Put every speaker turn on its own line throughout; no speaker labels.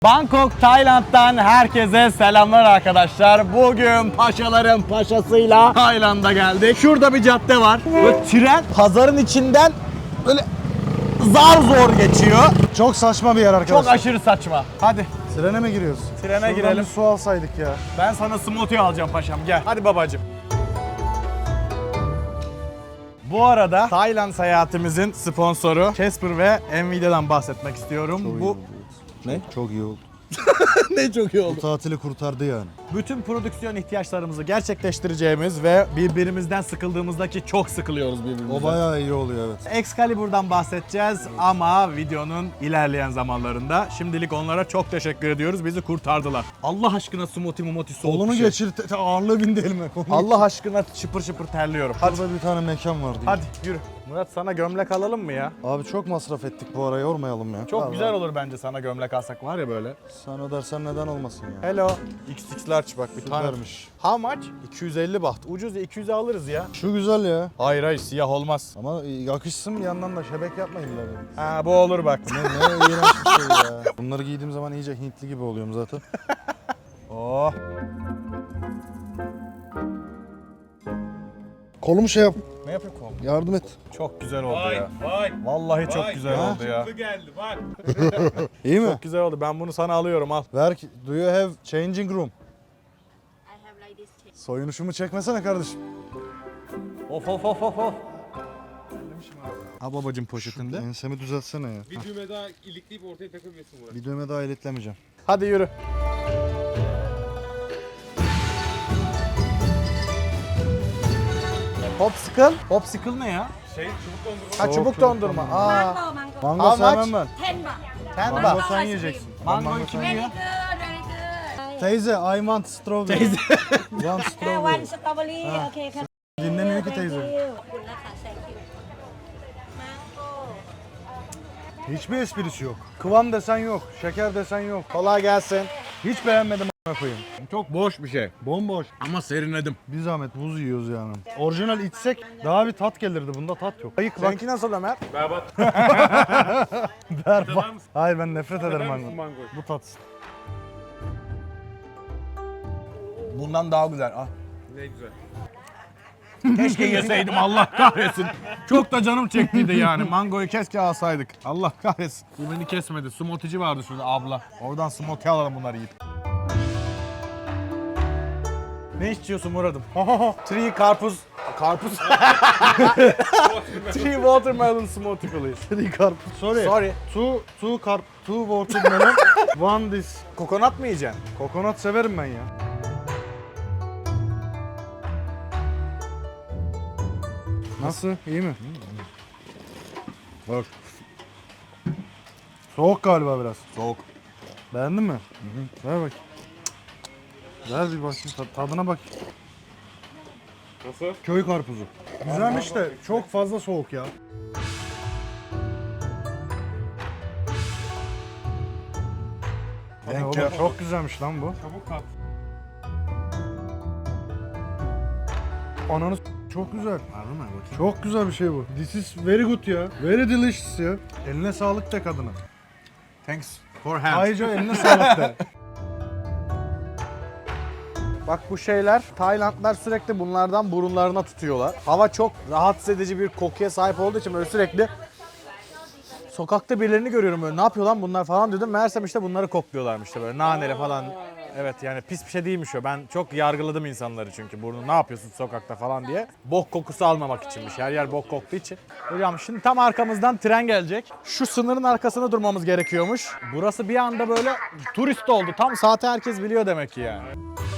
Bangkok, Tayland'dan herkese selamlar arkadaşlar. Bugün paşaların paşasıyla Tayland'a geldik. Şurada bir cadde var. Böyle tren pazarın içinden böyle zar zor geçiyor.
Çok saçma bir yer arkadaşlar.
Çok aşırı saçma. Hadi
Trene mi giriyoruz?
Trene
Şuradan
girelim.
bir su alsaydık ya.
ben sana smoothie alacağım paşam, gel. Hadi babacığım. Bu arada Tayland seyahatimizin sponsoru Casper ve Nvidia'dan bahsetmek istiyorum. Bu ne?
Çok iyi oldu.
ne çok iyi oldu.
Bu tatili kurtardı yani.
Bütün prodüksiyon ihtiyaçlarımızı gerçekleştireceğimiz ve birbirimizden sıkıldığımızda ki çok sıkılıyoruz birbirimizden.
O bayağı iyi oluyor evet.
Excalibur'dan bahsedeceğiz ama videonun ilerleyen zamanlarında. Şimdilik onlara çok teşekkür ediyoruz. Bizi kurtardılar. Allah aşkına smoothie mumoti soğuk
Kolunu
bir şey.
geçir, ağırlığı bindi elime.
Allah aşkına şıpır şıpır terliyorum. Hadi.
Burada bir tane mekan var diye.
Hadi yürü. Murat, sana gömlek alalım mı ya?
Abi çok masraf ettik bu ara, yormayalım ya.
Çok
Vallahi.
güzel olur bence sana gömlek alsak var ya böyle.
Sen ödersen neden olmasın ya.
Hello. XX large bak bir tane.
Süpermiş.
How much? 250 baht. Ucuz ya, 200'e alırız ya.
Şu güzel ya.
Hayır siyah olmaz.
Ama yakışsın bir yandan da şebek yapmayın da benim.
Ha bu olur bak.
Ne iğrenç bir şey ya. Bunları giydiğim zaman iyice Hintli gibi oluyorum zaten.
Oh.
Kolumu şey yap.
Ne yapıyor kol?
Yardım et.
Çok güzel oldu ya.
Vay.
Vallahi çok güzel
Ha?
oldu ya.
Bu geldi bak.
İyi mi?
Çok güzel oldu. Ben bunu sana alıyorum, al.
Ver ki. Do you have changing room?
I have like this.
Soyunuşumu çekmesene kardeşim.
Of of of of of. Ha babacım poşetinde.
Ensemi düzeltsene ya.
Bir düğme daha ilikleyip ortaya takabilirsin buraya.
Bir düğme daha iletlemeyeceğim.
Hadi yürü. Popsicle? Popsicle ne ya?
Çubuk dondurma.
Ha çubuk dondurma. Aa.
Mango.
Mango
How much?
sevmem ben.
10 baht.
Ten
Mango
baht.
sen yiyeceksin.
Mangoyu kim
Very
yiyor?
good, very good.
Teyze, I want strawberry.
Teyze.
Want
One
strawberry.
strawberry. Okay, come.
Dinlemiyor ki
Thank
teyze.
you. ขอบคุณนะคะ thank you. Mango.
Hiçbir esprisi yok. Kıvam desen yok, şeker desen yok.
Kolay gelsin.
Hiç beğenmedim a**ına koyayım.
Çok boş bir şey.
Bomboş.
Ama serinledim.
Bir zahmet buz yiyoruz yani. Orijinal içsek daha bir tat gelirdi. Bunda tat yok. Ayık bak.
Seninki nasıl Ömer?
Berbat.
Berbat. Hayır ben nefret ederim
Sever misin
mango.
mangoyu?
Bu tat.
Bundan daha güzel. Ah.
Ne güzel.
Keşke yeseydim, Allah kahretsin. Çok da canım çektiydi yani. Mangoyu keşke alsaydık. Allah kahretsin. Bu beni kesmedi. Smoothie'ci vardı şurada abla. Oradan smoothie alalım bunları yiyip. Ne içiyorsun Murat'ım? Three karpuz. Karpuz. Three watermelon smoothie please.
Three karpuz. Sorry.
Sorry.
Two watermelon. One this.
Kokonat mı yiyeceksin?
Kokonat severim ben ya. Nasıl? İyi mi? Bak. Soğuk galiba biraz.
Soğuk.
Beğendin mi? Ver bak. Ver bir bakayım tadına bak.
Nasıl?
Köy karpuzu. Güzelmiş de çok fazla soğuk ya.
Thank
Oğlum,
you.
çok güzelmiş lan bu.
Çabuk kap.
Ananı çok güzel.
Harbi mi? Bakayım.
Çok güzel bir şey bu. This is very good ya. Very delicious ya. Eline sağlık de kadına.
Thanks for hand.
Ayrıca eline sağlık de.
Bak bu şeyler, Taylandlar sürekli bunlardan burunlarına tutuyorlar. Hava çok rahatsız edici bir kokuya sahip olduğu için böyle sürekli sokakta birilerini görüyorum böyle, ne yapıyor lan bunlar falan dedim. Meğersem işte bunları kokluyorlarmış işte böyle naneli falan. Evet yani pis bir şey değilmiş o. Ben çok yargıladım insanları çünkü burnu ne yapıyorsun sokakta falan diye. Bok kokusu almamak içinmiş. Her yer bok koktuğu için. Hocam şimdi tam arkamızdan tren gelecek. Şu sınırın arkasına durmamız gerekiyormuş. Burası bir anda böyle turist oldu. Tam saati herkes biliyor demek ki yani.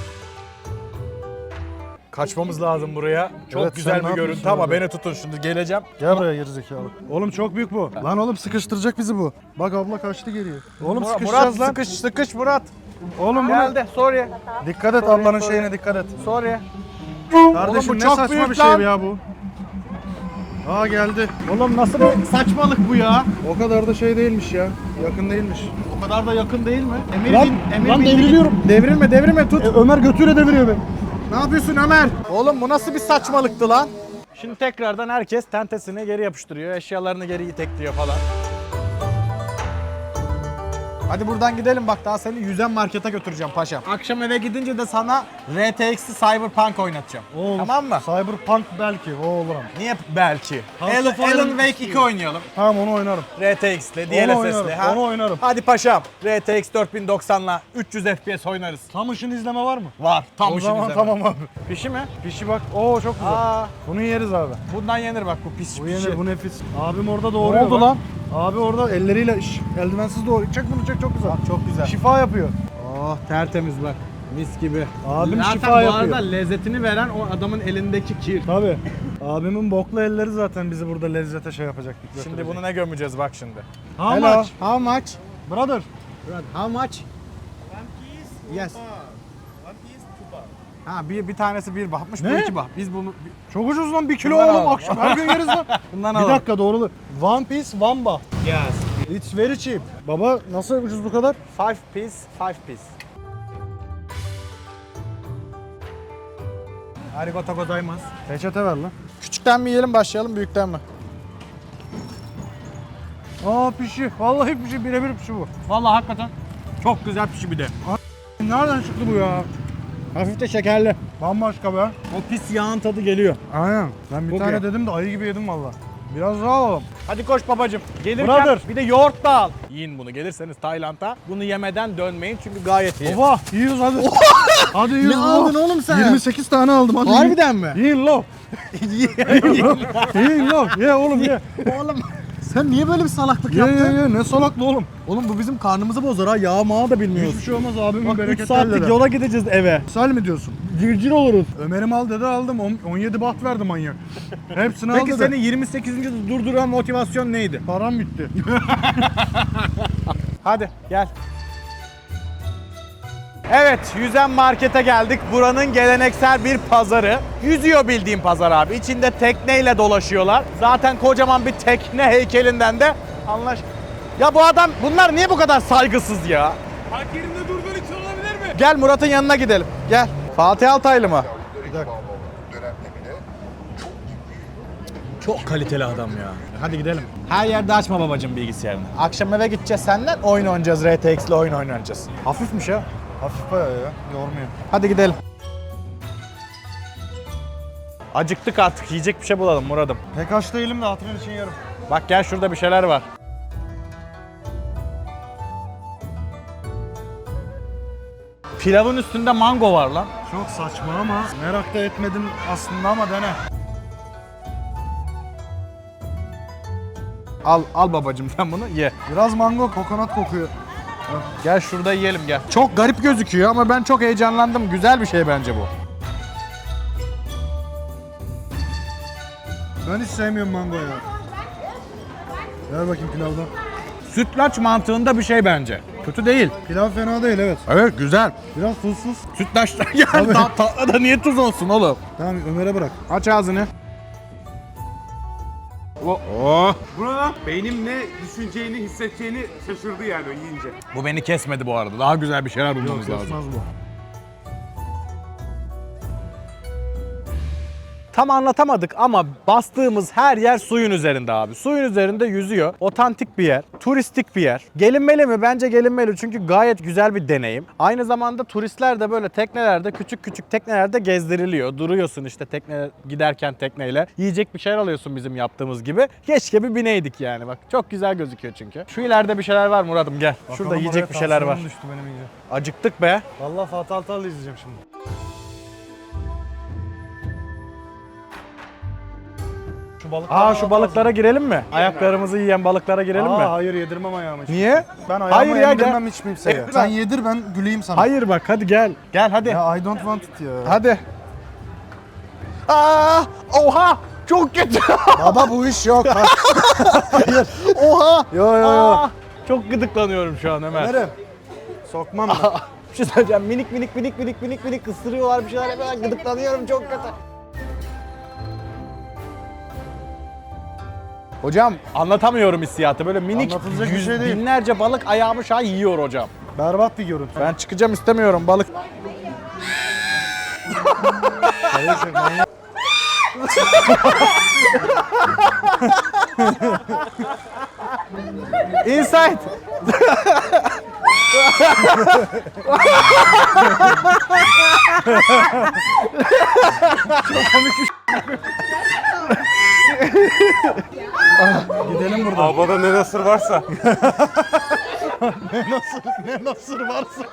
Kaçmamız lazım buraya. Çok
Evet, sen
güzel
ne
bir görüntü
yapıyorsun
ama
orada?
beni tutun şimdi, geleceğim.
Gel buraya gerizekalı. Oğlum çok büyük bu. Lan oğlum sıkıştıracak bizi bu. Bak abla kaçtı geriye. Oğlum
Murat,
sıkışacağız lan.
sıkış Murat.
Oğlum bunu.
Geldi. Sorry.
Dikkat et
Sorry,
ablanın
sorry.
şeyine dikkat et.
Sorry.
Kardeşim
bu
ne
çok
saçma
büyük
bir şey
lan.
ya bu. Aa geldi.
Oğlum nasıl bir saçmalık bu ya?
O kadar da şey değilmiş ya. Yakın değilmiş.
O kadar da yakın değil mi? Emir
Lan-
Emir
lan
bindi.
devriliyorum.
Devrilme tut.
Ömer götüyle deviriyor beni.
Ne yapıyorsun Ömer? Oğlum bu nasıl bir saçmalıktı lan? Şimdi tekrardan herkes tentesini geri yapıştırıyor, eşyalarını geri itekliyor falan. Hadi buradan gidelim bak daha seni yüzen markete götüreceğim paşam. Akşam eve gidince de sana RTX'li Cyberpunk oynatacağım.
O olur.
Tamam mı?
Cyberpunk belki o olur ama.
Niye belki?
Half-Life
Alan
oynamak
Wake 2
istiyorum.
oynayalım.
Tamam onu oynarım.
RTX'li,
Onu
DLSS'li
oynarım,
ha.
onu oynarım.
Hadi paşam. RTX 4090'la 300 FPS oynarız.
Tam ışın izleme var mı?
Var. Tam
O
işin
zaman
izleme.
tamam abi.
Pişi mi?
Pişi bak. Oo çok güzel.
Aa,
Bunu yeriz abi.
bundan yenir bak bu pis
Bu
pişi.
yenir, bu nefis. Abim orada doğuruyor.
oldu
bak.
lan?
Abi orada elleriyle eldivensiz doğuruyor. Çek bunu çek, çok güzel.
Bak çok güzel.
Şifa yapıyor.
Oh tertemiz bak. Mis gibi.
Abim
Zaten
şifa
bu
yapıyor.
arada lezzetini veren o adamın elindeki kir.
Tabii. Abimin boklu elleri zaten bizi burada lezzete şey yapacak.
Şimdi bunu ne gömeceğiz bak şimdi.
How
Hello.
much?
How much?
Brother.
How much? Yes. Ha bir tanesi 1 bahmış, bu
Ne?
2 bah. Biz bunu
Çok ucuz lan, 1 kilo
Bundan
oğlum
alalım.
akşam her gün yeriz lan.
bundan
Bir
alalım.
dakika doğrulu. One piece, one baht.
Yes.
It's very cheap. Baba nasıl ucuz bu kadar?
5 piece, 5 piece. Arigato gozaimasu.
Peçete ver lan.
Küçükten mi yiyelim başlayalım büyükten mi?
Aa pişi. Vallahi pişi, birebir pişi bu.
Vallahi hakikaten çok güzel pişi bir de.
Nereden çıktı bu ya?
Hafif de şekerli.
Bambaşka be.
O pis yağın tadı geliyor.
Aynen. Ben bir
Çok
tane
iyi.
dedim de ayı gibi yedim valla. Biraz daha alalım.
Hadi koş babacım. Gelirken
Brother.
bir de yoğurt da al. Yiyin bunu gelirseniz Tayland'a. Bunu yemeden dönmeyin çünkü gayet iyi.
Baba yiyoruz hadi. Hadi yiyoruz.
Ne
baba.
aldın oğlum sen?
28 tane aldım hadi.
Harbiden mi?
Yiyin lo. Yiyin lo. Ye oğlum ye.
Oğlum sen niye böyle bir salaklık
Ye
yaptın?
ye ye. Ne salaklı oğlum.
Oğlum bu bizim karnımızı bozar ha. Yağ mağı da bilmiyoruz.
Hiçbir şey olmaz abimin
Bak 3
bereketli
saatlik
elleri.
yola gideceğiz eve.
Sal mi diyorsun?
Cırcır oluruz.
Ömer'im al dedi aldım. 17 baht verdi manyak. Hepsini al
Peki
dedi.
seni 28. durduran motivasyon neydi?
Param bitti.
Hadi gel. Evet, Yüzen Market'e geldik. Buranın geleneksel bir pazarı. Yüzüyor bildiğim pazar abi. İçinde tekneyle dolaşıyorlar. Zaten kocaman bir tekne heykelinden de anlaş... Ya bu adam, bunlar niye bu kadar saygısız ya?
Park yerinde durduğun için olabilir mi?
Gel Murat'ın yanına gidelim. Gel. Fatih Altaylı mı?
Bir dakika.
Çok kaliteli adam ya. Hadi gidelim. Her yerde açma babacığım bilgisayarını. Akşam eve gideceğiz senden. Oyun oynayacağız. RTX'le oyun oynayacağız. Hafifmiş ha.
Hafif bayağı ya. Yormuyor.
Hadi gidelim. Acıktık artık. Yiyecek bir şey bulalım Murat'ım.
Pek aç değilim de hatırın için yerim.
Bak gel şurada bir şeyler var. Pilavın üstünde mango var lan.
Çok saçma ama merak da etmedim aslında ama dene.
Al babacığım sen bunu ye.
Biraz mango, kokonat kokuyor.
Gel şurada yiyelim gel. Çok garip gözüküyor ama ben çok heyecanlandım. Güzel bir şey bence bu.
Ben hiç sevmiyorum mango ya. Ver bakayım pilavdan.
Sütlaç mantığında bir şey bence. Kötü değil.
Pilav fena değil evet.
Evet güzel.
Biraz tuzsuz.
Sütlaçtan yani
Tabii.
tatlı da niye tuz olsun oğlum?
Tamam Ömer'e bırak.
Aç ağzını. Oh.
Buna beynim ne düşüneceğini, hissedeceğini şaşırdı yani o yiyince.
Bu beni kesmedi bu arada. Daha güzel bir şeyler bulmamız lazım.
Kesmez bu.
Tam anlatamadık ama bastığımız her yer suyun üzerinde abi. Suyun üzerinde yüzüyor. Otantik bir yer. Turistik bir yer. Gelinmeli mi? Bence gelinmeli çünkü gayet güzel bir deneyim. Aynı zamanda turistler de böyle teknelerde, küçük küçük teknelerde gezdiriliyor. Duruyorsun işte tekne giderken tekneyle. Yiyecek bir şeyler alıyorsun bizim yaptığımız gibi. Keşke bir bineydik yani bak. Çok güzel gözüküyor çünkü. Şu ileride bir şeyler var Murat'ım gel. Şurada
Bakalım
yiyecek
oraya
bir şeyler var.
tansiyonum düştü benim iyice.
Acıktık be.
Vallahi Fatih Altaylı izleyeceğim şimdi. Şu balık.
Şu balıklara girelim mi? Ayaklarımızı yiyen balıklara girelim mi?
Hayır yedirmem ayağımı.
Niye?
Ben ayağımı
Hayır ya,
yedirmem hiç kimseye. Sen yedir ben güleyim sana.
Hayır bak hadi gel. Gel hadi.
Ya I don't want it ya.
Hadi. Oha! Çok kötü.
Baba bu iş yok.
Hayır. Oha!
Yo yo yo.
Çok gıdıklanıyorum şu an Ömer.
Ömer'im. Sokmam ben.
Bir şey söyleyeceğim. Minik ısırıyorlar bir şeyler yapıyorlar. Gıdıklanıyorum çok kötü. Hocam anlatamıyorum hissiyatı. Böyle minik
Anlatılacak bir şey değil.
binlerce balık ayağımı şu an yiyor hocam.
Berbat bir görüntü.
Ben çıkacağım istemiyorum balık. Inside.
Gidelim buradan.
Abada ne nasır varsa.
Ne nasır varsa.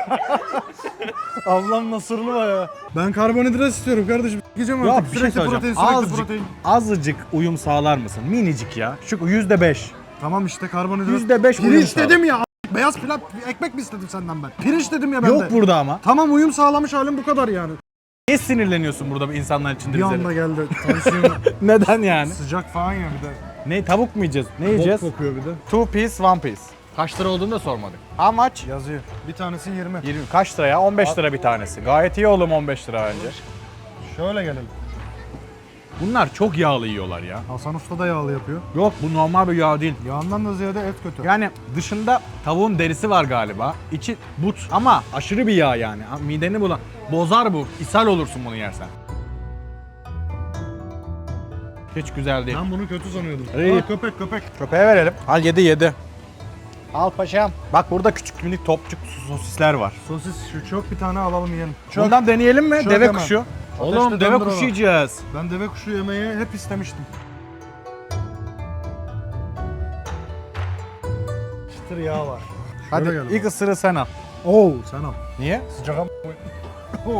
Ablam nasırlı bayağı. Ben karbonhidrat istiyorum kardeşim. Gideceğim
Ya
artık.
bir şey
Sürekli
söyleyeceğim.
protein, sürekli protein.
Azıcık uyum sağlar mısın? Minicik ya. Şu %5.
Tamam işte karbonhidrat.
%5 uyum
Pirinç
sağlar.
dedim ya. Beyaz pilav, ekmek mi istedim senden ben? Pirinç dedim ya ben
Yok
de.
burada ama.
Tamam uyum sağlamış halim bu kadar yani.
Niye sinirleniyorsun burada insanlar içinde
Bir
bize?
anda geldi. Tansiyon
Neden yani?
sıcak falan ya bir de.
Ne tavuk mu yiyeceğiz? Ne yiyeceğiz?
Bok kokuyor bir de.
2 piece, 1 piece. Kaç lira olduğunu da sormadık. How much?
Yazıyor. Bir tanesi 20.
20. Kaç lira ya? 15 lira bir tanesi. Gayet iyi oğlum 15 lira bence.
Şöyle gelelim.
Bunlar çok yağlı yiyorlar ya.
Hasan Usta da yağlı yapıyor.
Yok bu normal bir yağ değil.
Yağından da ziyade et kötü.
Yani dışında tavuğun derisi var galiba. İçi but ama aşırı bir yağ yani. Mideni bulan. Bozar bu. İshal olursun bunu yersen. Hiç güzel değil.
Ben bunu kötü sanıyordum.
İyi.
Aa, köpek.
Köpeğe verelim. Al yedi. Al paşam. Bak burada küçük minik topçuk sosisler var.
Sosis şu çok bir tane alalım yiyelim. Çok.
Bundan deneyelim mi?
Çok
Deve
hemen.
kuşu.
Ateşte
Oğlum deve
döndür
kuşu
onu.
yiyeceğiz.
Ben deve kuşu yemeyi hep istemiştim. Çıtır yağ var.
Hadi
Şöyle gel
ilk ısırığı sen al.
Oo sen al.
Niye?
Sıcak am- Oo.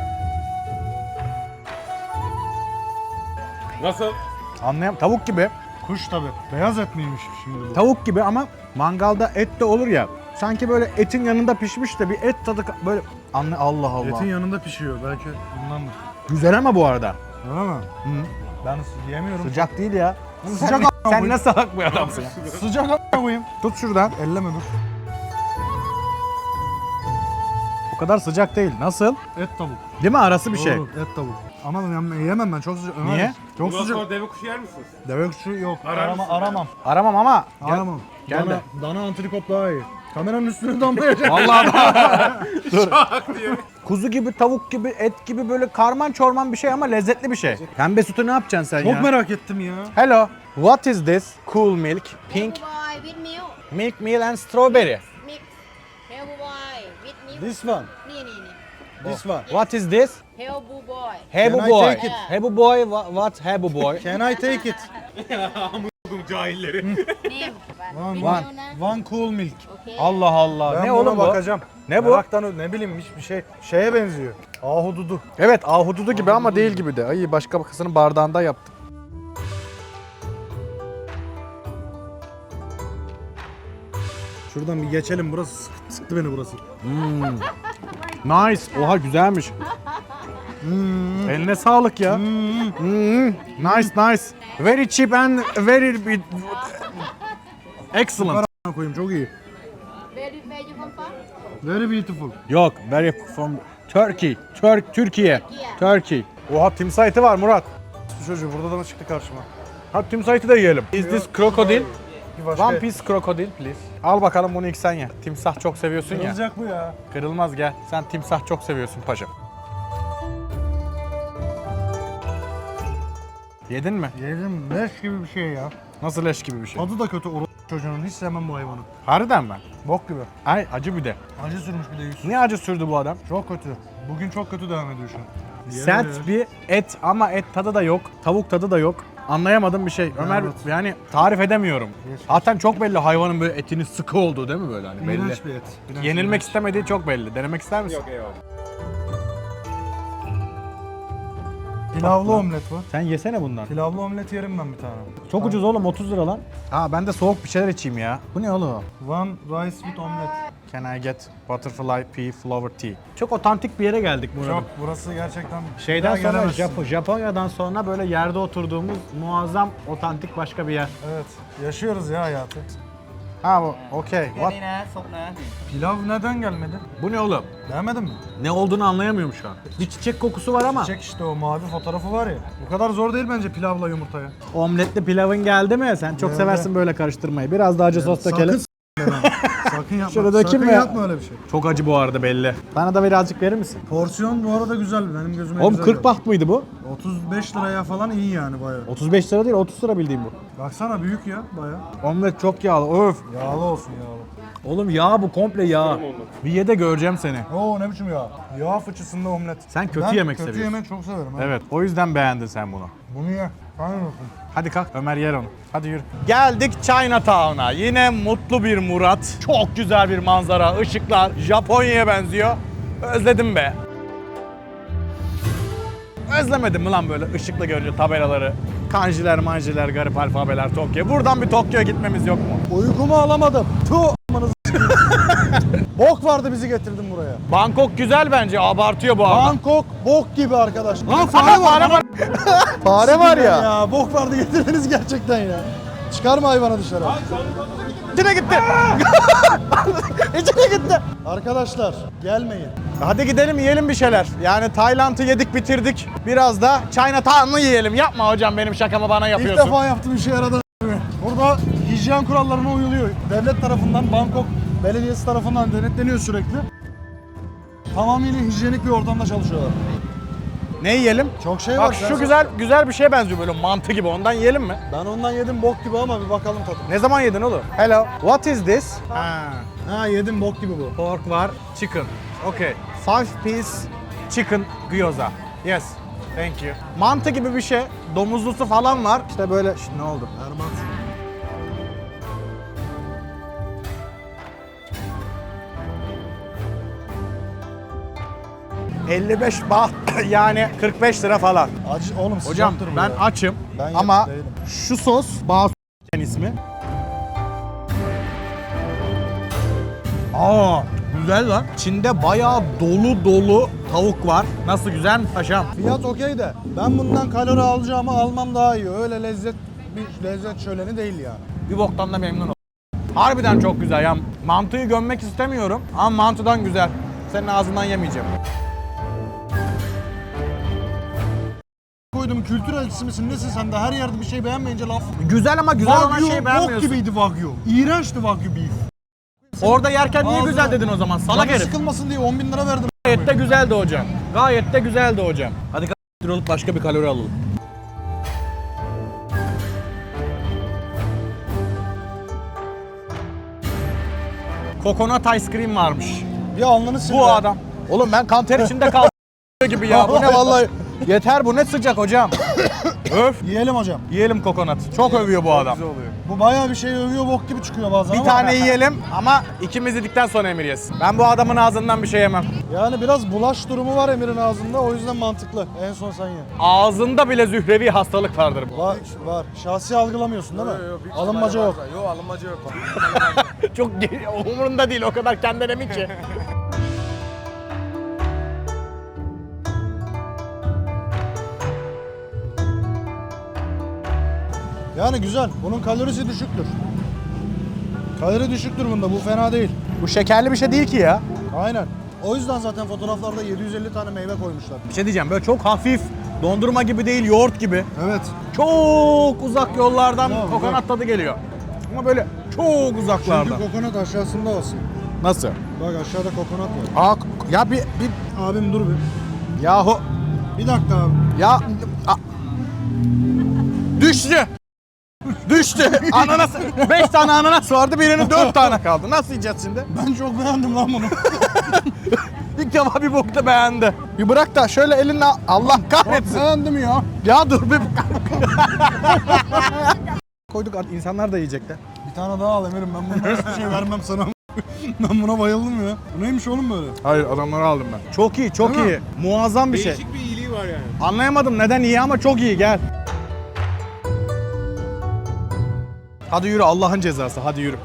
Nasıl?
Anlayam. Tavuk gibi.
Kuş tabi. Beyaz et miymiş şimdi bu?
Tavuk gibi ama mangalda et de olur ya. Sanki böyle etin yanında pişmiş de bir et tadı böyle Allah Allah.
Etin yanında pişiyor belki bundandır.
Güzel ama bu arada.
Öyle mi?
Hı.
Ben yemiyorum.
Sıcak değil ya.
Sıcak
Sen ne salak bir adamsın ya.
Sıcak a**a koyayım.
Tut şuradan.
Elleme dur.
O kadar sıcak değil. Nasıl?
Et tavuk.
Değil mi? Arası bir şey.
Doğru, et tavuk. Ama yemem ben çok sıcak. Ömer,
Niye?
Çok
Bundan
sıcak.
sonra deve kuşu yer misiniz?
Deve kuşu yok.
Arar mısın?
Aramam.
Aramam ama.
Aramam.
Gel de.
Dana antrikot daha iyi. Kameranın üstüne damlayacak.
Vallahi Dur. Kuzu gibi, tavuk gibi, et gibi böyle karman çorman bir şey ama lezzetli bir şey. Pembe sütü ne yapacaksın sen ya?
Çok merak ettim ya.
Hello. What is this? Cool milk, pink
Boy with milk.
milk meal and strawberry.
Mix. Hello boy with milk.
This one.
Ni.
This one.
What is this?
Hello boy.
Hebu
Can I
boy.
take it?
Hebu boy, what Hebu boy?
Can I take it?
Buldum cahilleri.
Name.
One cool milk.
Okay.
Allah Allah.
Ben
ne
buna
oğlum bu?
bakacağım.
Ne bu?
Meraktan ne bileyim hiçbir şey. Şeye benziyor. Ahududu.
Evet, ahududu gibi ama değil gibi de. Ay başka bakısının bardağında yaptım.
Şuradan bir geçelim burası sıktı beni burası.
Nice. Oha güzelmiş. Eline sağlık ya. Nice nice. Very cheap and very excellent.
A**ına koyayım çok iyi.
Where you come from?
Very beautiful.
Yok, very from Turkey. Türkiye. Turkey. Oha timsah eti var Murat.
Bu çocuğu burada da mı çıktı karşıma?
Hadi timsah eti de yiyelim. Is this crocodile?
Bir başka
One piece crocodile please. Al bakalım bunu ilk sen ye. Timsah çok seviyorsun ya.
Kırılacak bu ya.
Kırılmaz gel. Sen timsah çok seviyorsun paşam. Yedin mi?
Yedim leş gibi bir şey ya.
Nasıl leş gibi bir şey?
Tadı da kötü çocuğunun hiç sevmem bu hayvanı.
Harbiden mi?
Bok gibi.
Ay acı bir de.
Acı sürmüş bir de yüz.
Niye acı sürdü bu adam?
Çok kötü. Bugün çok kötü devam ediyor şu an.
Sert bir et ama et tadı da yok. Tavuk tadı da yok. Anlayamadım bir şey. Ömer
Evet.
yani tarif edemiyorum.
Geç.
Zaten çok belli hayvanın böyle etinin sıkı olduğu değil mi böyle hani belli.
İğrenç bir et. İğrenç,
Yenilmek
iğrenç.
istemediği çok belli. Denemek ister misin?
Yok eyvallah.
Pilavlı omlet var.
Sen yesene bundan.
Pilavlı omlet yerim ben bir tane.
Çok ucuz oğlum 30 lira lan. Ha ben de soğuk bir şeyler içeyim ya. Bu ne oğlum?
One rice with omelet.
Can I get butterfly pea flower tea? Çok otantik bir yere geldik burada.
Çok burası gerçekten
Şeyden
bir daha
sonra
gelemezsin.
Japonya'dan sonra böyle yerde oturduğumuz muazzam otantik başka bir yer.
Evet. Yaşıyoruz ya hayatı.
Ha bu okey. What?
Pilav neden gelmedi?
Bu ne oğlum?
Beğenmedin mi?
Ne olduğunu anlayamıyorum şu an. Bir çiçek kokusu var ama.
Çek işte o mavi fotoğrafı var ya. Bu kadar zor değil bence pilavla yumurtaya.
Omletli pilavın geldi mi? Sen çok
Geldi.
seversin böyle karıştırmayı. Biraz da acı sos dökelim.
Sakın yapma.
Şöyle dökeyim
Sakın
mi?
yapma öyle bir şey.
Çok acı bu arada belli. Bana da birazcık verir misin?
Porsiyon bu arada güzel. Benim gözüme
Oğlum
güzel
40
geldi.
baht mıydı bu?
35 liraya falan iyi yani bayağı.
35 lira değil 30 lira bildiğim bu.
Baksana büyük ya bayağı.
Omlet çok yağlı. Öf.
Yağlı olsun yağlı.
Oğlum yağ bu, komple yağ. Bir ye de göreceğim seni.
Oo ne biçim ya? Yağ fıçısında omlet.
Sen kötü
Ben
yemek
kötü
seviyorsun.
yemek çok severim. ha.
Evet, o yüzden beğendin sen bunu.
Bunu ye. Aynen olsun.
Hadi kalk, Ömer yer onu. Hadi yürü. Geldik Chinatown'a. Yine mutlu bir Murat. Çok güzel bir manzara, ışıklar. Japonya'ya benziyor. Özledim be. Özlemedim mi lan böyle ışıklı görünce tabelaları? Kanjiler, manjiler, garip alfabeler, Tokyo. Buradan bir Tokyo'ya gitmemiz yok mu?
Uykumu alamadım. Tuh amanızı bok vardı bizi getirdin buraya.
Bangkok güzel bence, abartıyor bu arada.
Bangkok bok gibi arkadaş. Lan
Fare var. Fare var ya.
Ya bok vardı getirdiniz gerçekten ya. Çıkarma hayvanı dışarı.
İçine gitti. İçine gitti.
Arkadaşlar gelmeyin.
Hadi gidelim yiyelim bir şeyler. Yani Tayland'ı yedik bitirdik. Biraz da Chinatown'ı yiyelim. Yapma hocam benim şakamı bana
İlk
yapıyorsun.
defa yaptığım işe yaradı. Burada hijyen kurallarına uyuluyor. Devlet tarafından, Bangkok Belediyesi tarafından denetleniyor sürekli. Tamamıyla hijyenik bir ortamda çalışıyorlar.
Ne yiyelim?
Çok şey var.
Bak şu güzel bir şeye benziyor böyle mantı gibi. Ondan yiyelim mi?
Ben ondan yedim bok gibi ama bir bakalım tadına.
Ne zaman yedin oğlum? Hello. What is this?
Ha yedim bok gibi bu.
Pork var, chicken. Okay. 5 piece chicken gyoza. Yes. Thank you. Mantı gibi bir şey. Domuzlusu falan var. İşte böyle. Ne oldu?
Erman.
...55 baht yani 45 lira falan.
Acı oğlum
Hocam
sıcaktır bu
ben
ya.
açım
Ben
ama
yemiş değilim.
şu sos Basu ismi. Aa güzel lan. İçinde bayağı dolu tavuk var. Nasıl, güzel mi paşam?
Fiyat okey de ben bundan kalori alacağımı almam daha iyi. Öyle bir lezzet şöleni değil yani.
Bir boktan da memnun oldum. Harbiden çok güzel ya. Mantıyı gömmek istemiyorum ama mantıdan güzel. Senin ağzından yemeyeceğim.
Koydum kültür elçisi misin nesin sen de her yerde bir şey beğenmeyince laf.
Güzel ama güzel olan
Wagyu
şeyi
bok
beğenmiyorsun.
gibiydi Wagyu. İğrençti Wagyu beef.
Orada yerken niye
Ağzına-
güzel dedin o zaman? Salak
Canı
herif.
sıkılmasın diye 10 bin lira verdim.
Gayet de güzeldi hocam. Gayet de güzeldi hocam. Hadi olup başka bir kalori alalım. Kokonat ice cream varmış.
Bir alnını sil.
Bu
be.
adam. Oğlum ben kanter içinde kaldım gibi ya. Bu ne vallahi. Yeter, bu ne sıcak hocam. Öf.
Yiyelim hocam.
Yiyelim kokonat. Çok övüyor bu adam.
Bu bayağı bir şey övüyor bok gibi çıkıyor bazen
Bir
ama.
tane yiyelim ama ikimiz yedikten sonra Emir yesin. Ben bu adamın ağzından bir şey yemem.
Yani biraz bulaş durumu var Emir'in ağzında o yüzden mantıklı. En son sen ye.
Ağzında bile zührevi hastalık vardır bu.
Var var. Şahsi algılamıyorsun değil mi? Alınmaca yok.
Yok alınmaca yok.
Çok umurunda değil, o kadar kendine emin ki.
Yani güzel. Bunun kalorisi düşüktür. Kalori düşüktür bunda. Bu fena değil.
Bu şekerli bir şey değil ki ya.
Aynen. O yüzden zaten fotoğraflarda 750 tane meyve koymuşlar.
Bir şey diyeceğim, böyle çok hafif, dondurma gibi değil, yoğurt gibi.
Evet.
Çok uzak yollardan
Yok,
kokonat
yok.
tadı geliyor. Ama böyle çok uzaklardan.
Çünkü kokonat aşağısında olsun.
Nasıl?
Bak aşağıda kokonat var.
Ya bir
Abim dur bir.
yahu
Bir dakika abi.
ya düştü. Düştü. Ananas. 5 tane ananas vardı, birinin 4 tane kaldı. Nasıl yiyeceğiz şimdi?
Ben çok beğendim lan bunu.
İlk defa bir bokta beğendi. Bir bırak da şöyle elinle, Allah kahretsin.
Beğendim ya.
Ya dur bir koyduk, insanlar da yiyecek de.
Bir tane daha al Emir'im. Ben buna hiçbir şey vermem sana. Ben buna bayıldım ya. Bu neymiş oğlum böyle?
Hayır, adamları aldım ben. Çok iyi, çok
Değil
iyi.
mi?
Muazzam bir şey.
Değişik bir iyiliği var yani.
Anlayamadım neden iyi ama çok iyi, gel. Hadi yürü, Allah'ın cezası, hadi yürü.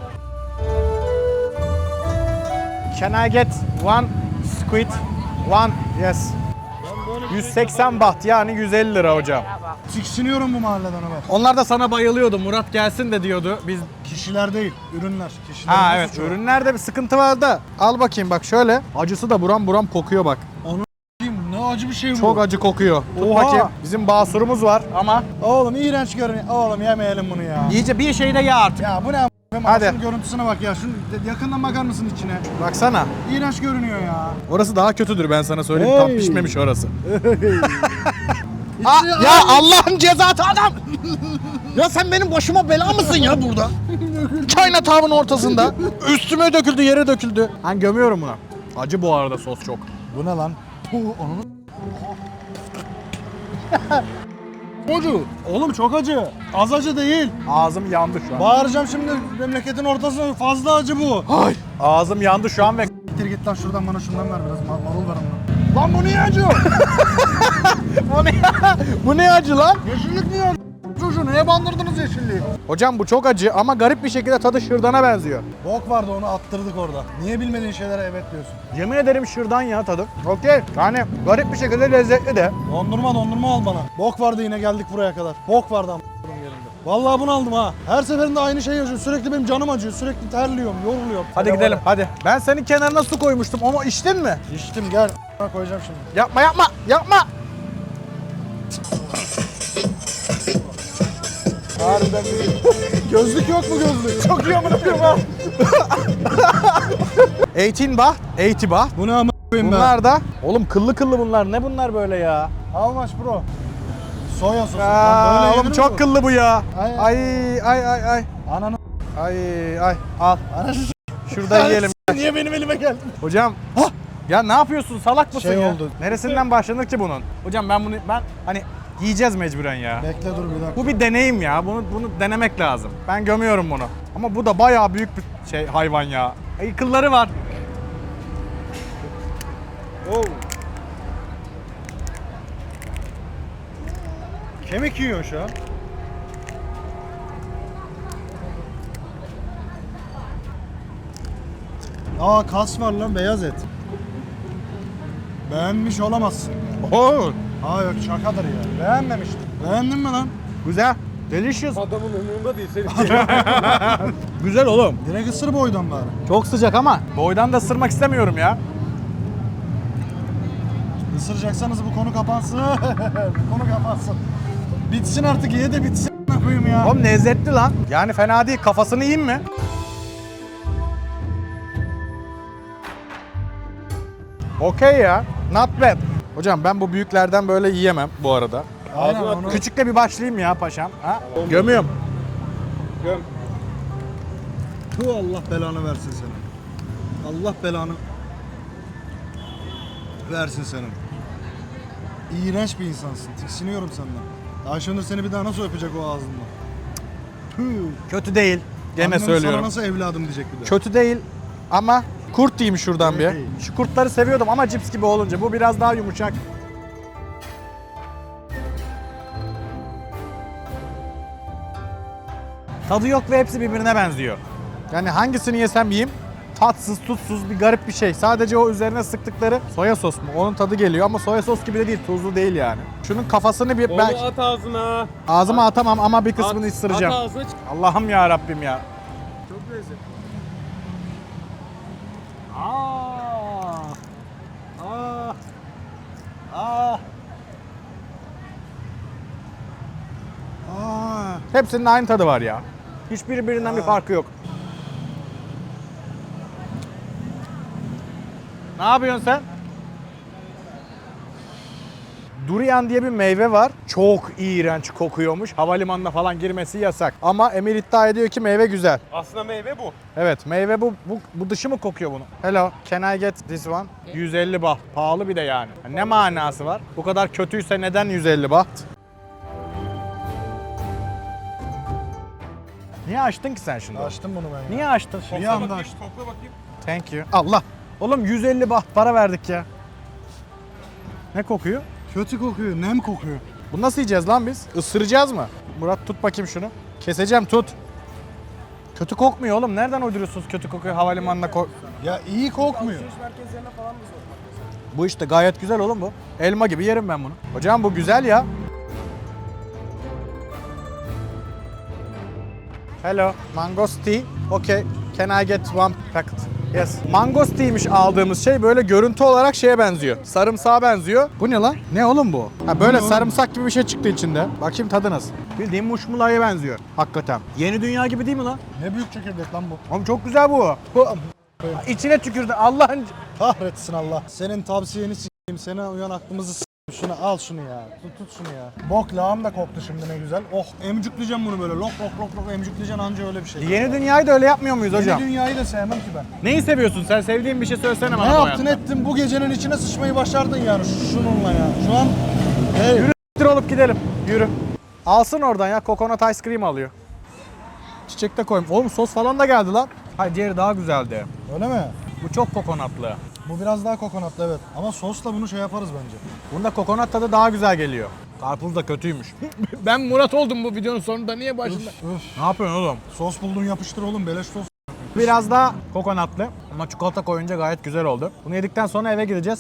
Can I get one squid? One, yes. 180 baht yani 150 lira hocam.
Tiksiniyorum bu mahalleden Ömer.
Onlar da sana bayılıyordu, Murat gelsin de diyordu. Biz
Kişiler değil, ürünler. Kişiler
Ha evet, ürünlerde bir sıkıntı var da. Al bakayım bak şöyle. Acısı da buram buram kokuyor bak.
Ne acı bir şey bu.
Çok acı kokuyor. Tut
Oha.
bakayım. Bizim basurumuz var ama
Oğlum iğrenç görünüyor. Oğlum yemeyelim bunu ya.
iyice bir şeyde ye artık.
Ya bu ne a**?
Hadi.
Şunun görüntüsüne bak ya. Şunu yakından bakar mısın içine?
Baksana.
İğrenç görünüyor ya.
Orası daha kötüdür, ben sana söyleyeyim.
Hey.
Tam pişmemiş orası.
İçine-
ya Allah'ın cezası adam! Ya sen benim başıma bela mısın ya burada? Kainatın ortasında. Üstüme döküldü, yere döküldü. Ben gömüyorum bunu. Acı bu arada sos çok.
Bu ne lan? Onun Acı. Oğlum çok acı. Az acı değil.
Ağzım yandı şu an.
Bağıracağım şimdi memleketin ortasına. Fazla acı bu.
Ay. Ağzım yandı şu an ve...
Gittir git lan şuradan bana şundan ver biraz. Marul ver ondan. Lan bu niye acı?
Bu ne acı lan?
Yeşillik niye acı? Çocuğu neye bandırdınız yeşilliği?
Hocam bu çok acı ama garip bir şekilde tadı şırdana benziyor.
Bok vardı onu attırdık orada. Niye bilmediğin şeylere evet diyorsun?
Yemin ederim şırdan ya tadı. Okey. Yani garip bir şekilde lezzetli de.
Dondurma al bana. Bok vardı yine geldik buraya kadar. Bok vardı yerinde. Vallahi bunu aldım ha. Her seferinde aynı şey yaşıyor. Sürekli benim canım acıyor. Sürekli terliyorum, yoruluyorum.
Hadi
Hele
gidelim
var
hadi. Ben senin kenarına su koymuştum ama içtin mi?
ya. İçtim gel. Koyacağım şimdi.
Yapma yapma yapma.
Harbiden bir... Gözlük yok mu gözlük? Çok iyi amına koyayım ha.
18 baht, 80 baht.
Bu ne amına koyayım ben?
Bunlar da oğlum kıllı kıllı bunlar. Ne bunlar böyle ya?
How much bro? Soya sosu. Lan
Aa,
böyle
oğlum
yenir mi
çok
bu?
kıllı bu ya.
Ay,
Ay.
Ananı
Ay al.
ananı
Şurada yiyelim.
Niye benim elime geldi?
Hocam. Ya ne yapıyorsun? Salak mısın
Şey
ya?
oldu.
Neresinden başlanır ki bunun? Hocam ben hani yiyeceğiz mecburen ya.
Bekle dur bir dakika.
Bu bir deneyim ya. Bunu denemek lazım. Ben gömüyorum bunu. Ama bu da bayağı büyük bir şey hayvan ya. Ay kılları var.
Oh. Kemik yiyor şu an. Aa kas var lan beyaz et. Beğenmiş olamazsın.
Oo,
Aa yok şakadır ya. Beğenmemiştim. Beğendin mi lan?
güzel. Delicious.
Adamın umurunda değil. Senin
Güzel oğlum.
Direkt ısır boydan bari.
Çok sıcak ama boydan da ısırmak istemiyorum ya.
Isıracaksanız bu konu kapansın. Bu konu kapansın. Bitsin artık ye de bitsin. Ne koyayım ya.
Oğlum lezzetli lan. Yani fena değil. Kafasını yiyeyim mi? Okey ya. Not bad. Hocam ben bu büyüklerden böyle yiyemem bu arada.
Aynen onu.
Küçükle bir başlayayım ya paşam. Ha? Gömüyorum.
göm.
Tu Allah belanı versin senin. Allah belanı versin senin. İğrenç bir insansın. Tiksiniyorum senden. Ayşenur seni bir daha nasıl öpecek o ağzından? Tüh.
Kötü değil. Gene
Annem
söylüyorum.
Sana nasıl evladım diyecek bir de.
Kötü değil ama kurt diyeyim şuradan bir.
Evet.
Şu kurtları seviyordum ama cips gibi olunca bu biraz daha yumuşak. Tadı yok ve hepsi birbirine benziyor. Yani hangisini yesem yiyeyim tatsız, tutsuz bir garip bir şey. Sadece o üzerine sıktıkları soya sos mu? Onun tadı geliyor ama soya sos gibi de değil, tuzlu değil yani. Şunun kafasını bir
Onu
ben
at ağzına.
ağzıma atamam ama bir kısmını
At
ısıracağım.
ağzına çık.
Allah'ım ya Rabbim ya.
Çok lezzetli.
Hepsinin aynı tadı var ya. Hiçbiri birinden bir farkı yok. Ne yapıyorsun sen? Durian diye bir meyve var. Çok iğrenç kokuyormuş. Havalimanına falan girmesi yasak. Ama Emir iddia ediyor ki meyve güzel.
Aslında meyve bu.
Evet, meyve bu dışı mı kokuyor bunun? Hello, can I get this one? 150 baht. Pahalı bir de yani. Ne manası var? Bu kadar kötüyse neden 150 baht? Niye açtın ki sen şimdi?
Açtım bunu ben ya.
Niye açtın şimdi?
Bir anda açtım.
Kokla bakayım.
Thank you. Allah. Oğlum 150 baht para verdik ya. Ne kokuyor?
Kötü kokuyor, nem kokuyor.
Bu nasıl yiyeceğiz lan biz? Isıracağız mı? Murat tut bakayım şunu. Keseceğim tut. Kötü kokmuyor oğlum. Nereden uyduruyorsunuz kötü kokuyor havalimanına
Ya iyi kokmuyor.
Bu işte gayet güzel oğlum bu. Elma gibi yerim ben bunu. Hocam bu güzel ya. Hello, mangosteen. Okay, can I get one packet? Yes. Mangostea'ymiş aldığımız şey böyle görüntü olarak şeye benziyor. Sarımsağa benziyor. Bu ne lan? Ne oğlum bu? Ha böyle sarımsak gibi bir şey çıktı içinde. Bakayım tadı nasıl? Bildiğin muşmulaya benziyor. Hakikaten. Yeni dünya gibi değil mi lan?
Ne büyük çekirdek lan bu.
Oğlum çok güzel bu. İçine tükürdü Allah'ın.
Kahretsin Allah. Senin tavsiyeni s**eyim, seni uyan aklımızı s**eyim. Şunu al şunu ya. Tut şunu ya. Bok lağım da koktu şimdi ne güzel. Oh emcükleyeceğim bunu böyle. Lok lok lok lok emcükleyeceksin anca öyle bir şey.
Yeni dünyayı da öyle yapmıyor muyuz hocam?
Yeni dünyayı da sevmem ki ben.
Neyi seviyorsun sen? Sevdiğin bir şey söylesene
Ne
bana bu
yaptın
hayatta.
ettin bu gecenin içine sıçmayı başardın yani şununla ya. Şu an hey.
Yürü olup gidelim. Yürü. Alsın oradan ya. Coconut ice cream alıyor. Çiçek de koyayım. Oğlum sos falan da geldi lan. Hayır diğeri daha güzeldi.
Öyle mi?
Bu çok kokonatlı.
Bu biraz daha kokonatlı evet. Ama sosla bunu şey yaparız bence.
Bunda kokonat tadı daha güzel geliyor. Karpuz da kötüymüş. Ben Murat oldum bu videonun sonunda. Niye başında?
Üf.
Ne yapıyorsun oğlum?
Sos buldun yapıştır oğlum beleş sos.
Biraz daha kokonatlı ama çikolata koyunca gayet güzel oldu. Bunu yedikten sonra eve gideceğiz.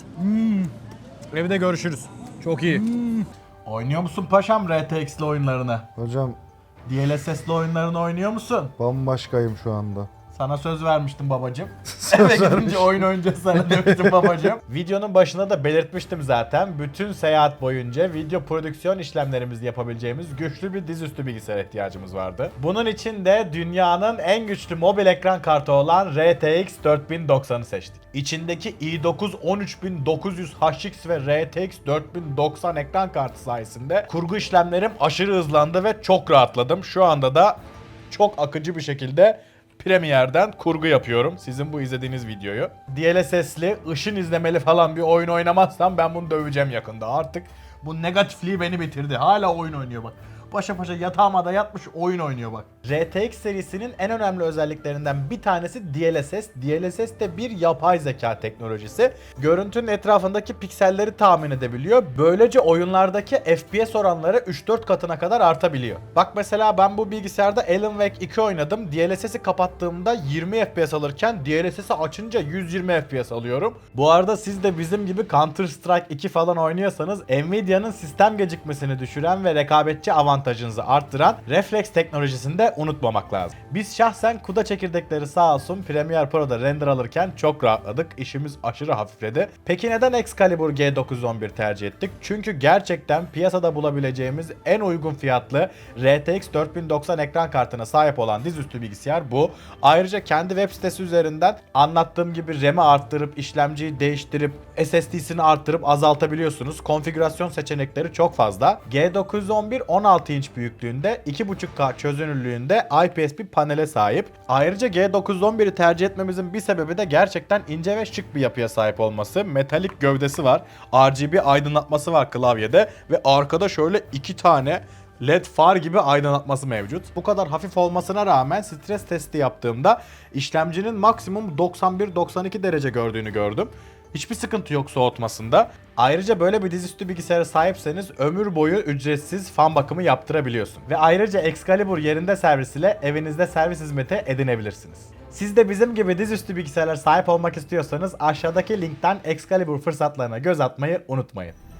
Evde görüşürüz. Çok iyi. Oynuyor musun paşam RTX'li oyunlarını?
Hocam
DLSS'li oyunlarını oynuyor musun?
bambaşkayım şu anda.
Sana söz vermiştim babacığım. Eve gidince oyun oynayacağız sana demiştim babacığım. Videonun başında da belirtmiştim zaten. Bütün seyahat boyunca video prodüksiyon işlemlerimizi yapabileceğimiz güçlü bir dizüstü bilgisayar ihtiyacımız vardı. Bunun için de dünyanın en güçlü mobil ekran kartı olan RTX 4090'ı seçtik. İçindeki i9 13900 HX ve RTX 4090 ekran kartı sayesinde kurgu işlemlerim aşırı hızlandı ve çok rahatladım. Şu anda da çok akıcı bir şekilde Premiere'den kurgu yapıyorum. Sizin bu izlediğiniz videoyu. DLSS'li, ışın izlemeli falan bir oyun oynamazsam ben bunu döveceğim yakında. Artık bu negatifliği beni bitirdi. Hala oyun oynuyor bak. Paşa paşa yatağıma da yatmış oyun oynuyor bak. RTX serisinin en önemli özelliklerinden bir tanesi DLSS. DLSS de bir yapay zeka teknolojisi. Görüntünün etrafındaki pikselleri tahmin edebiliyor. Böylece oyunlardaki FPS oranları 3-4 katına kadar artabiliyor. Bak mesela ben bu bilgisayarda Alan Wake 2 oynadım. DLSS'i kapattığımda 20 FPS alırken DLSS'i açınca 120 FPS alıyorum. Bu arada siz de bizim gibi Counter Strike 2 falan oynuyorsanız Nvidia'nın sistem gecikmesini düşüren ve rekabetçi avantajınızı arttıran Reflex teknolojisini de unutmamak lazım. Biz şahsen CUDA çekirdekleri sağ olsun Premiere Pro'da render alırken çok rahatladık. İşimiz aşırı hafifledi. Peki neden Excalibur G911 tercih ettik? Çünkü gerçekten piyasada bulabileceğimiz en uygun fiyatlı RTX 4090 ekran kartına sahip olan dizüstü bilgisayar bu. Ayrıca kendi web sitesi üzerinden anlattığım gibi RAM'i arttırıp işlemciyi değiştirip SSD'sini arttırıp azaltabiliyorsunuz. Konfigürasyon seçenekleri çok fazla. G911 16 inç büyüklüğünde 2.5K çözünürlüğünde IPS bir panele sahip. Ayrıca G911'i tercih etmemizin bir sebebi de gerçekten ince ve şık bir yapıya sahip olması. Metalik gövdesi var. RGB aydınlatması var klavyede ve arkada şöyle 2 tane LED far gibi aydınlatması mevcut. Bu kadar hafif olmasına rağmen stres testi yaptığımda işlemcinin maksimum 91-92 derece gördüğünü gördüm. Hiçbir sıkıntı yok soğutmasında. Ayrıca böyle bir dizüstü bilgisayara sahipseniz ömür boyu ücretsiz fan bakımı yaptırabiliyorsun. Ve ayrıca Excalibur yerinde servis ile evinizde servis hizmeti edinebilirsiniz. Siz de bizim gibi dizüstü bilgisayarlara sahip olmak istiyorsanız aşağıdaki linkten Excalibur fırsatlarına göz atmayı unutmayın.